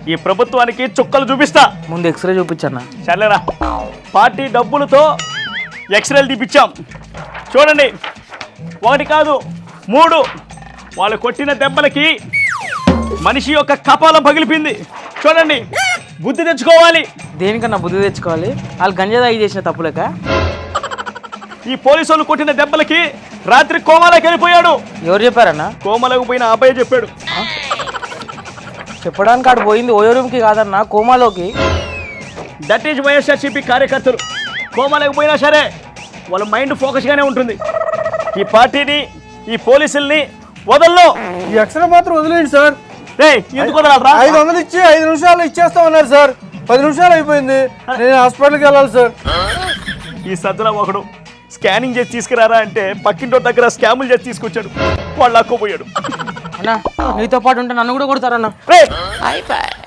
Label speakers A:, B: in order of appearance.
A: ఈ ప్రభుత్వానికి చుక్కలు చూపిస్తా.
B: ముందు ఎక్స్రే చూపించన్నా.
A: చల్లేరా, పార్టీ డబ్బులతో ఎక్స్రేలు తీపిచ్చాం. చూడండి, 1 కాదు 3. వాళ్ళు కొట్టిన దెబ్బలకి మనిషి యొక్క కపాలం పగిలిపోయింది. చూడండి, బుద్ధి తెచ్చుకోవాలి.
B: దేనికన్నా బుద్ధి తెచ్చుకోవాలి? వాళ్ళు గంజాయి చేసిన తప్పులేక.
A: ఈ పోలీసు వాళ్ళు కొట్టిన దెబ్బలకి రాత్రి కోమాలోకి వెళ్ళిపోయాడు.
B: ఎవరు చెప్పారన్నా?
A: కోమాలోకి పోయిన అబ్బాయి చెప్పాడు.
B: చెప్పడానికి ఆడు పోయింది ఓయోరూమ్కి కాదన్నా, కోమాలోకి.
A: దట్ ఈజ్ వైఎస్ఆర్సీపీ కార్యకర్తలు. కోమాలోకి పోయినా సరే వాళ్ళ మైండ్ ఫోకస్గానే ఉంటుంది. ఈ పార్టీని, ఈ పోలీసుల్ని వదల్లో.
C: ఈ ఎక్స్రే మాత్రం వదిలేండి సార్.
A: ఎందుకు వదలరా?
C: 500 ఇచ్చి 5 నిమిషాలు ఇచ్చేస్తామన్నారు సార్. 10 నిమిషాలు అయిపోయింది. నేను హాస్పిటల్కి వెళ్ళాలి సార్.
A: ఈ సజ్జల ఒకడు స్కానింగ్ చేసి తీసుకురారా అంటే పక్కింటో దగ్గర స్కాములు చేసి తీసుకొచ్చాడు. వాళ్ళు అక్కుపోయాడు.
B: అన్నా నీతో పాటు ఉంటే నన్ను కూడా కొడతారన్నా.